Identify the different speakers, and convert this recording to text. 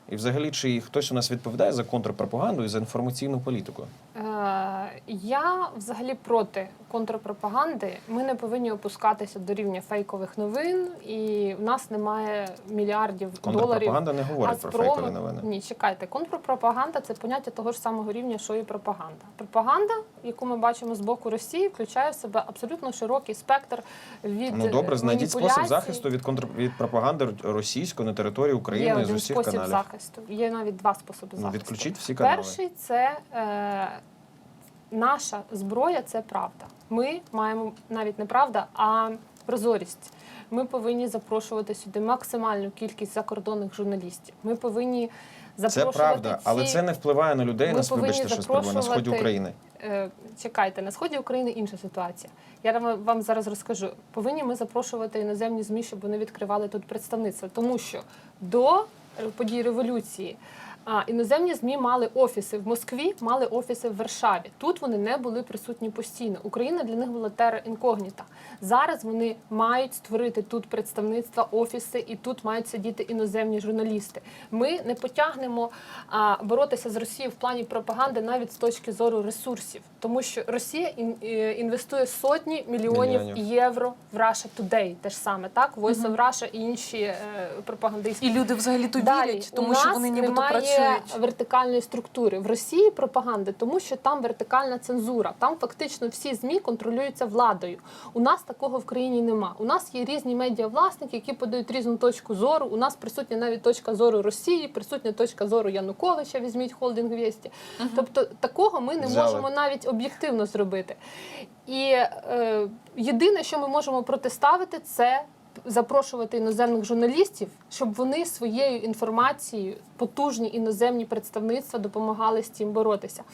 Speaker 1: І взагалі, чи хтось у нас відповідає за контрпропаганду і за інформаційну політику?
Speaker 2: Я взагалі проти контрпропаганди. Ми не повинні опускатися до рівня фейкових новин, і в нас немає мільярдів доларів.
Speaker 1: Контрпропаганда не говорить про фейкові новини.
Speaker 2: Ні, чекайте. Контрпропаганда – це поняття того ж самого рівня, що і пропаганда. Пропаганда, яку ми бачимо з боку Росії, включає в себе абсолютно широкий спектр від
Speaker 1: Ну добре, знайдіть спосіб
Speaker 2: маніпуляцій.
Speaker 1: захисту від пропаганди російської на території України
Speaker 2: Є
Speaker 1: з
Speaker 2: один
Speaker 1: усіх
Speaker 2: спосіб
Speaker 1: каналів.
Speaker 2: захисту. Є навіть два способи
Speaker 1: Ну,
Speaker 2: захисту.
Speaker 1: відключіть всі канали.
Speaker 2: Перший – це наша зброя – це правда. Ми маємо навіть не правда, а прозорість. Ми повинні запрошувати сюди максимальну кількість закордонних журналістів. Ми повинні
Speaker 1: Це
Speaker 2: запрошувати
Speaker 1: правда, але це не впливає на людей,
Speaker 2: Ми
Speaker 1: вибачте,
Speaker 2: повинні
Speaker 1: що спробую, на сході України.
Speaker 2: Чекайте, на сході України інша ситуація. Я вам зараз розкажу. Повинні ми запрошувати іноземні ЗМІ, щоб вони відкривали тут представництво. Тому що до подій революції іноземні ЗМІ мали офіси в Москві, мали офіси в Варшаві. Тут вони не були присутні постійно. Україна для них була терра інкогніта. Зараз вони мають створити тут представництва, офіси, і тут мають сидіти іноземні журналісти. Ми не потягнемо боротися з Росією в плані пропаганди навіть з точки зору ресурсів. Тому що Росія інвестує сотні мільйонів євро в Russia Today. Те ж саме, так? Voice of Russia і інші пропагандистські.
Speaker 3: І люди взагалі то вірять, тому що вони нібито працюють.
Speaker 2: Немає вертикальної структури. В Росії пропаганди, тому що там вертикальна цензура. Там фактично всі ЗМІ контролюються владою. У нас такого в країні нема. У нас є різні медіавласники, які подають різну точку зору. У нас присутня навіть точка зору Росії, присутня точка зору Януковича, візьміть холдинг «Вєсті». Тобто такого ми не можемо навіть об'єктивно зробити. І єдине, що ми можемо протиставити, це запрошувати іноземних журналістів, щоб вони своєю інформацією, потужні іноземні представництва допомагали з цим боротися.